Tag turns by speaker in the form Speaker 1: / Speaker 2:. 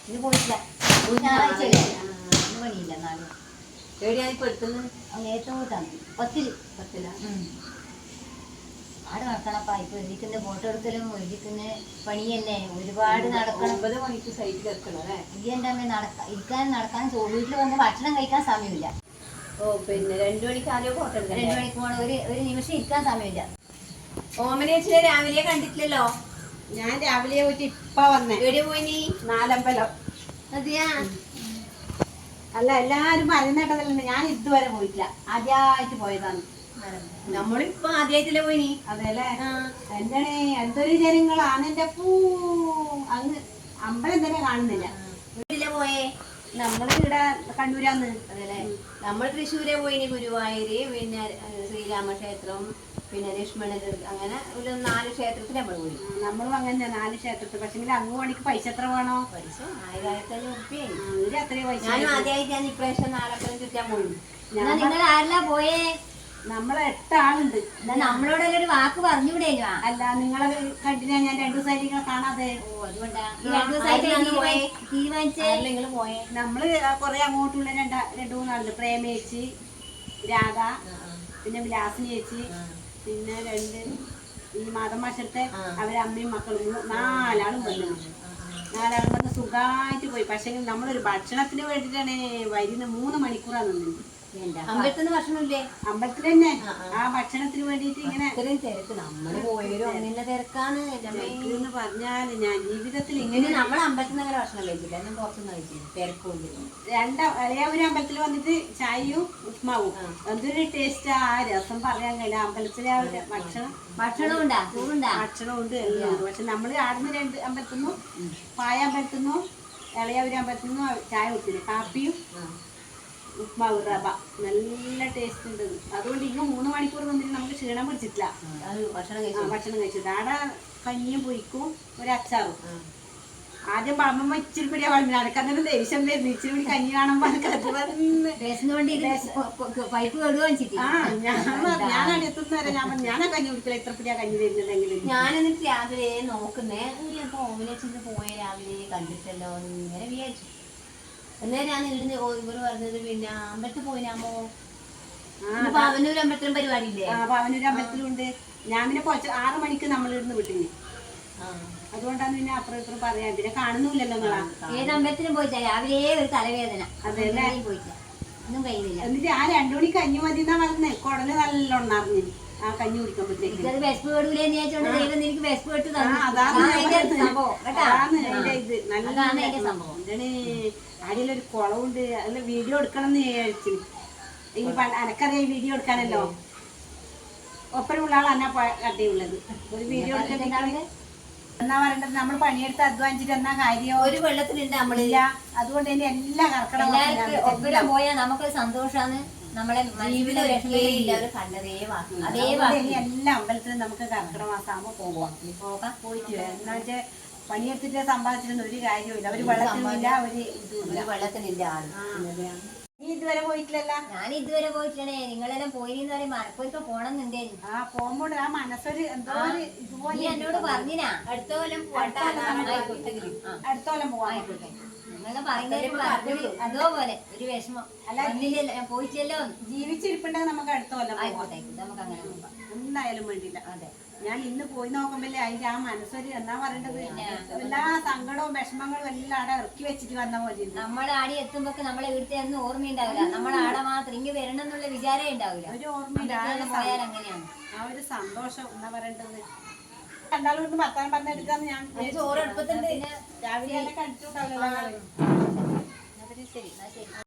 Speaker 1: ഇത് പോയിട്ടില്ല. ഞായറാഴ്ചയല്ലേ, ഇന്ന് പണിയില്ല. എന്നാലും
Speaker 2: എവിടെയാണിപ്പോ എടുക്കുന്നത്?
Speaker 1: ഏറ്റവും കൂട്ടാണ് 10 ആട് നടക്കണപ്പാ. ഇപ്പൊ എഴുതിക്കുന്ന ഫോട്ടോ എടുക്കലും എഴുതിക്കുന്ന പണിയല്ലേ, ഒരുപാട് നടക്കണം.
Speaker 2: 9 മണിക്ക് സൈറ്റിൽ എത്തണം അല്ലേ?
Speaker 1: ഈ എൻ്റെ അമ്മ ഇരിക്കാനും നടക്കാനും വീട്ടിൽ വന്ന് ഭക്ഷണം കഴിക്കാൻ സമയമില്ല.
Speaker 2: പിന്നെ 2 മണിക്ക് ആദ്യം ഫോട്ടോ എടുക്കാം.
Speaker 1: 2 മണിക്ക് പോകണം. ഒരു നിമിഷം ഇരിക്കാൻ സമയമില്ല.
Speaker 2: ഓമനേച്ചിനെ രാവിലെ കണ്ടിട്ടില്ലല്ലോ.
Speaker 3: ഞാൻ രാവിലെ പോയിട്ട് ഇപ്പ വന്നേ.
Speaker 2: എവിടെ പോയി നീ?
Speaker 3: നാലമ്പലം.
Speaker 2: അതെയാ?
Speaker 3: അല്ല, എല്ലാരും പറയുന്നേട്ടതല്ലേ, ഞാൻ ഇതുവരെ പോയിട്ടില്ല, ആദ്യമായിട്ട് പോയതാണ്.
Speaker 2: നമ്മളിപ്പോ ആദ്യമായിട്ടല്ലേ പോയി നീ?
Speaker 3: അതെല്ലേ. എന്താണ് എന്തൊരു ജനങ്ങളാണ് എന്റെ അങ്ങ് അമ്പലം തന്നെ കാണുന്നില്ല.
Speaker 2: വീട്ടിലെ പോയേ?
Speaker 3: നമ്മള് ഇവിടെ കണ്ണൂരാന്ന്.
Speaker 2: അതല്ലേ. നമ്മൾ തൃശ്ശൂരെ പോയിനി, ഗുരുവായൂര്, പിന്നെ ശ്രീരാമക്ഷേത്രം, പിന്നെ ലക്ഷ്മണര്, അങ്ങനെ ഒരു 4 ക്ഷേത്രത്തിൽ നമ്മൾ പോയി.
Speaker 3: നമ്മളും അങ്ങനെ 4 ക്ഷേത്രത്തിൽ. പക്ഷെ അങ്ങ് മണിക്ക് പൈസ എത്ര വേണോ?
Speaker 2: പൈസ 1500 റുപ്യായി.
Speaker 3: അത്രയും പൈസ.
Speaker 2: ഞാനും ആദ്യമായിട്ടാണ് ഇപ്രാവശ്യം 4 അമ്പലം ചുറ്റാൻ പോയി.
Speaker 1: നിങ്ങൾ ആരെല്ലാം പോയേ?
Speaker 3: നമ്മളെ 8 ആളുണ്ട്.
Speaker 1: നമ്മളോടെല്ലാം ഒരു വാക്ക് പറഞ്ഞൂടെ?
Speaker 3: അല്ല, നിങ്ങളെ കണ്ടിനാ ഞാൻ 2 ദിവസമായിട്ട് നിങ്ങളെ കാണാതെ.
Speaker 1: അതുകൊണ്ടാ
Speaker 2: 2 ദിവസമായിട്ട്
Speaker 1: തീരുമാനിച്ചേ.
Speaker 2: നിങ്ങൾ പോയേ?
Speaker 3: നമ്മള് കൊറേ അങ്ങോട്ടുള്ള 2-3 ആളുണ്ട്. പ്രേമേച്ചി, രാധ, പിന്നെ വിലാസിനി ചേച്ചി, പിന്നെ 2 ഈ മാതമാശത്തെ അവരെ അമ്മയും മക്കളും 4 ആളും വന്നു. 4 ആളും വന്ന് സുഖമായിട്ട് പോയി. പക്ഷെ നമ്മളൊരു ഭക്ഷണത്തിന് വേണ്ടിയിട്ടാണ് വരുന്ന 3 മണിക്കൂറാണ് നിന്നത്.
Speaker 2: അമ്പലത്തിന് ഭക്ഷണമില്ലേ?
Speaker 3: അമ്പലത്തിൽ തന്നെ ആ ഭക്ഷണത്തിന് വേണ്ടിട്ട് ഇങ്ങനെ
Speaker 2: ഇത്രയും തിരക്ക്. നമ്മള് പോയാലും അങ്ങനെ തിരക്കാണ്
Speaker 3: എന്ന് പറഞ്ഞാല് ഞാൻ ജീവിതത്തിൽ
Speaker 2: ഇങ്ങനെ നമ്മളെ അമ്പലത്തിൽ നിന്ന് അങ്ങനെ ഭക്ഷണം കഴിച്ചില്ല, ഞാൻ പുറത്തുനിന്ന് കഴിച്ചില്ല. തിരക്കുണ്ട്.
Speaker 3: ഒരു അമ്പലത്തിൽ വന്നിട്ട് ചായയും ഉപ്മാവും എന്തൊരു ടേസ്റ്റ്. ആ രസം പറയാൻ കഴിയില്ല. അമ്പലത്തിലെ ആ ഒരു
Speaker 1: ഭക്ഷണം ഉണ്ടാ, ചോറുണ്ടാ,
Speaker 3: ഭക്ഷണം ഉണ്ട്, എല്ലാം ഉണ്ട്. പക്ഷെ നമ്മള് ആടുന്ന 2 അമ്പലത്തുനിന്നും, പായ അമ്പലത്തുനിന്നും ഇളയാവൂര് അമ്പലത്തുനിന്നും ചായ കുടിച്ചില്ല. കാപ്പിയും ഉപ്മാവ് റവ നല്ല ടേസ്റ്റ് ഉണ്ട്. അതുകൊണ്ട് ഇങ്ങ് 3 മണിക്കൂർ നിന്നിട്ട് നമുക്ക് ക്ഷീണം പിടിച്ചിട്ടില്ല. ഭക്ഷണം കഴിച്ചിട്ട് ആടെ കഞ്ഞിയും പൊരിക്കും, ഒരു അച്ചാറും. ആദ്യം വളമ്പോ ഇച്ചിരി പിടിയാ വളമ്പിന്. അനക്കന്നൊരു ദേഷ്യം വരുന്നു. ഇച്ചിരി പിടി കഞ്ഞി കാണുമ്പോ
Speaker 1: പൈപ്പ് കഴുകാൻ.
Speaker 3: ഞാൻ അടുത്തുനിന്ന് വരെ ഞാനാ കഞ്ഞി കുടിക്കില്ല, ഇത്ര പിടിയാ കഞ്ഞി തരുന്നുണ്ടെങ്കിൽ.
Speaker 2: ഞാൻ എന്നിട്ട് രാവിലെ നോക്കുന്നേ, ഓമിനെ പോയ രാവിലെ കണ്ടിട്ടല്ലോ ഇങ്ങനെ വിചാരിച്ചു. അന്നേരം ഞാൻ ഇവിടുന്ന് ഇവര് പറഞ്ഞത് പിന്നെ അമ്പലത്തിൽ പോയിനാമോ? പാവനൂർ അമ്പലത്തിലും പരിപാടി ഇല്ലേ?
Speaker 3: പാവനൂർ അമ്പലത്തിലും ഉണ്ട്. ഞാൻ പിന്നെ 6 മണിക്ക് നമ്മൾ ഇവിടുന്ന് വിട്ടിന്. അതുകൊണ്ടാണ് പിന്നെ അപ്പുറം ഇപ്പുറം പറയാൻ. പിന്നെ കാണുന്നില്ലല്ലോ നിങ്ങളാ.
Speaker 1: ഏത് അമ്പലത്തിലും പോയിട്ടാ രാവിലെ ഒരു തലവേദന.
Speaker 3: അതെല്ലേ.
Speaker 1: പോയിട്ടില്ല, ഒന്നും കഴിയുന്നില്ല.
Speaker 3: എന്നിട്ട് ആ 2 മണിക്ക് കഞ്ഞി മതി എന്നാ പറഞ്ഞത്. കുടല് നല്ലോണം അറിഞ്ഞു ആ കഞ്ഞി കുടിക്കുമ്പോഴത്തേക്ക്.
Speaker 1: വിശപ്പ് കേടൂലെന്ന് ചോദിച്ചോണ്ട് ദൈവം എനിക്ക് വിശപ്പ് കേട്ട് തന്നു.
Speaker 3: അതാണ്
Speaker 1: അതിന്റെ സംഭവം.
Speaker 3: എന്താണ് അടിയിലൊരു കുളമുണ്ട്. അതിൽ വീഡിയോ എടുക്കണം എന്ന് വിചാരിച്ചു. ഈ എനക്കറിയാം വീഡിയോ എടുക്കാനല്ലോ. ഒപ്പരമുള്ള ആൾ എന്നാ കട്ടിയുള്ളത്. ഒരു വീഡിയോ എടുക്കാൻ എന്നാ പറയണ്ടത്, നമ്മൾ പണിയെടുത്ത് അധ്വാനിച്ചിട്ട് എന്നാ കാര്യം.
Speaker 2: ഒരു വെള്ളത്തിലുണ്ട് നമ്മളില്ല.
Speaker 3: അതുകൊണ്ട് തന്നെ എല്ലാം കറക്കണം.
Speaker 1: ഒപ്പരം പോയാൽ നമുക്കൊരു സന്തോഷാണ്. നമ്മളെ
Speaker 3: എല്ലാ അമ്പലത്തിലും നമുക്ക് കർക്കിടക മാസമാകുമ്പോ പോയിട്ട് എന്നാ വെച്ചാൽ പണിയെടുത്തിട്ട് സമ്പാദിച്ചിട്ടൊന്നും ഒരു കാര്യമില്ല. ഒരു വെള്ളത്തിനില്ല, ഒരു
Speaker 2: വെള്ളത്തിനില്ല.
Speaker 3: നീ ഇതുവരെ പോയിട്ടില്ലല്ലോ?
Speaker 1: ഞാൻ ഇതുവരെ പോയിട്ടില്ലേ. നിങ്ങളെല്ലാം പോയിന്ന് പറയും മലപ്പുറത്ത് പോണെന്നുണ്ടേ.
Speaker 3: പോകുമ്പോൾ ആ മനസ്സൊരു എന്തോ ഇതുപോലെ
Speaker 1: എന്നോട് പറഞ്ഞിനാ
Speaker 2: അടുത്ത കൊല്ലം
Speaker 3: പോവാൻ.
Speaker 1: നിങ്ങളെ പറയുന്നത് അതോപോലെ ഒരു വിഷമം. അല്ല ഞാൻ പോയിട്ടല്ലോ.
Speaker 3: ജീവിച്ചിരിപ്പുണ്ടെങ്കിൽ നമുക്ക് അടുത്ത കൊല്ലം
Speaker 1: ആയിക്കോട്ടെ, നമുക്ക് അങ്ങനെ പോകാം.
Speaker 3: എന്തായാലും വേണ്ടില്ല.
Speaker 1: അതെ,
Speaker 3: ഞാൻ ഇന്ന് പോയി നോക്കുമ്പോഴേ അതിന്റെ ആ മനസ്സൊരു എന്നാ പറയേണ്ടത്, എല്ലാ സങ്കടവും വിഷമങ്ങളും എല്ലാം അവിടെ ഇറക്കി വെച്ചിട്ട് വന്ന പോലെ.
Speaker 1: നമ്മളെ ആടി എത്തുമ്പോ നമ്മളെ വീട്ടിൽ ഒന്നും ഓർമ്മയുണ്ടാവില്ല. നമ്മളെ ആടെ മാത്രം ഇങ്ങ് വരണം എന്നുള്ള വിചാരമേ ഉണ്ടാവില്ല.
Speaker 3: ഒരു ഓർമ്മയില്ല.
Speaker 1: പോയാൽ അങ്ങനെയാണ്
Speaker 3: ആ ഒരു സന്തോഷം എന്നാ പറയേണ്ടത്. രണ്ടാളും കൊണ്ട് ഭർത്താനം പറഞ്ഞെടുക്കാന്ന് ഞാൻ
Speaker 2: ചോറ് അടുപ്പത്തുണ്ട്.
Speaker 3: രാവിലെ കണ്ടിട്ടുണ്ടാവില്ല.
Speaker 1: ശരി.